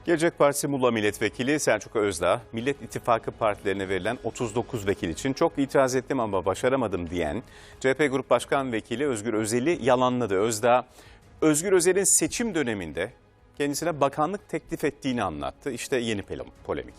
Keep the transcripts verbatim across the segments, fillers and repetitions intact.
Gelecek Partisi Muğla Milletvekili Selçuk Özdağ, Millet İttifakı partilerine verilen otuz dokuz vekil için çok itiraz ettim ama başaramadım diyen C H P Grup Başkan Vekili Özgür Özel'i yalanladı. Özdağ, Özgür Özel'in seçim döneminde kendisine bakanlık teklif ettiğini anlattı. İşte yeni polemik.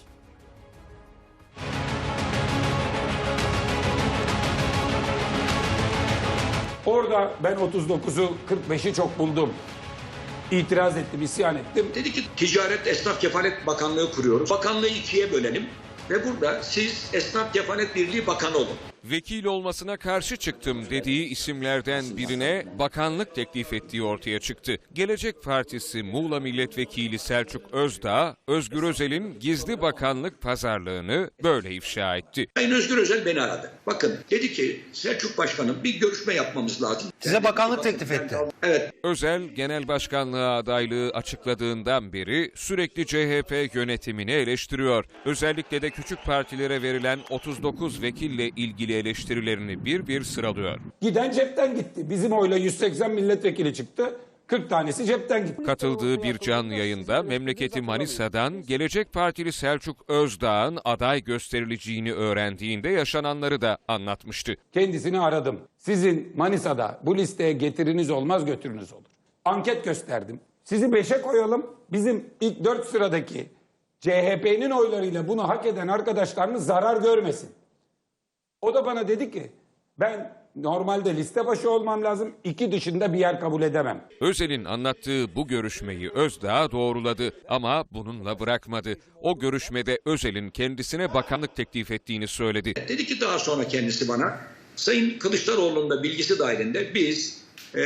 Orada ben otuz dokuzu kırk beşi çok buldum. İtiraz ettim, isyan ettim. Dedi ki Ticaret Esnaf Kefalet Bakanlığı kuruyoruz. Bakanlığı ikiye bölelim ve burada siz Esnaf Kefalet Birliği Bakanı olun. Vekil olmasına karşı çıktım dediği isimlerden birine bakanlık teklif ettiği ortaya çıktı. Gelecek Partisi Muğla Milletvekili Selçuk Özdağ, Özgür Özel'in gizli bakanlık pazarlığını böyle ifşa etti. Sayın Özgür Özel beni aradı. Bakın dedi ki Selçuk Başkanım bir görüşme yapmamız lazım. Size bakanlık teklif etti. Evet. Özel, genel başkanlığa adaylığı açıkladığından beri sürekli C H P yönetimini eleştiriyor. Özellikle de küçük partilere verilen otuz dokuz vekille ilgili eleştirilerini bir bir sıralıyor. Giden cepten gitti. Bizim oyla yüz seksen milletvekili çıktı. kırk tanesi cepten gitti. Katıldığı bir canlı yayında memleketi Manisa'dan Gelecek Partili Selçuk Özdağ'ın aday gösterileceğini öğrendiğinde yaşananları da anlatmıştı. Kendisini aradım. Sizin Manisa'da bu listeye getiriniz olmaz, götürünüz olur. Anket gösterdim. Sizi beşe koyalım. Bizim ilk dört sıradaki C H P'nin oylarıyla bunu hak eden arkadaşlarınız zarar görmesin. O da bana dedi ki ben normalde liste başı olmam lazım, iki dışında bir yer kabul edemem. Özel'in anlattığı bu görüşmeyi Özdağ doğruladı ama bununla bırakmadı. O görüşmede Özel'in kendisine bakanlık teklif ettiğini söyledi. Dedi ki daha sonra kendisi bana Sayın Kılıçdaroğlu'nun da bilgisi dahilinde biz ee,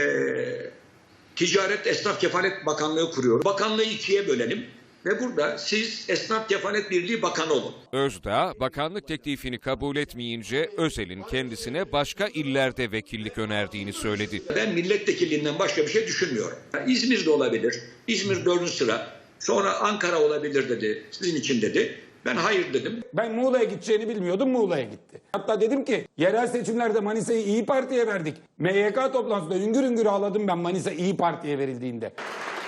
Ticaret Esnaf Kefalet Bakanlığı kuruyoruz. Bakanlığı ikiye bölelim. Ve burada siz Esnaf Kefalet Birliği Bakanı olun. Özdağ, bakanlık teklifini kabul etmeyince Özel'in kendisine başka illerde vekillik önerdiğini söyledi. Ben milletvekilliğinden başka bir şey düşünmüyorum. İzmir'de olabilir, İzmir dördüncü sıra, sonra Ankara olabilir dedi, sizin için dedi. Ben hayır dedim. Ben Muğla'ya gideceğini bilmiyordum, Muğla'ya gitti. Hatta dedim ki yerel seçimlerde Manisa'yı İyi Parti'ye verdik. M Y K toplantısında üngür üngür ağladım ben Manisa İyi Parti'ye verildiğinde.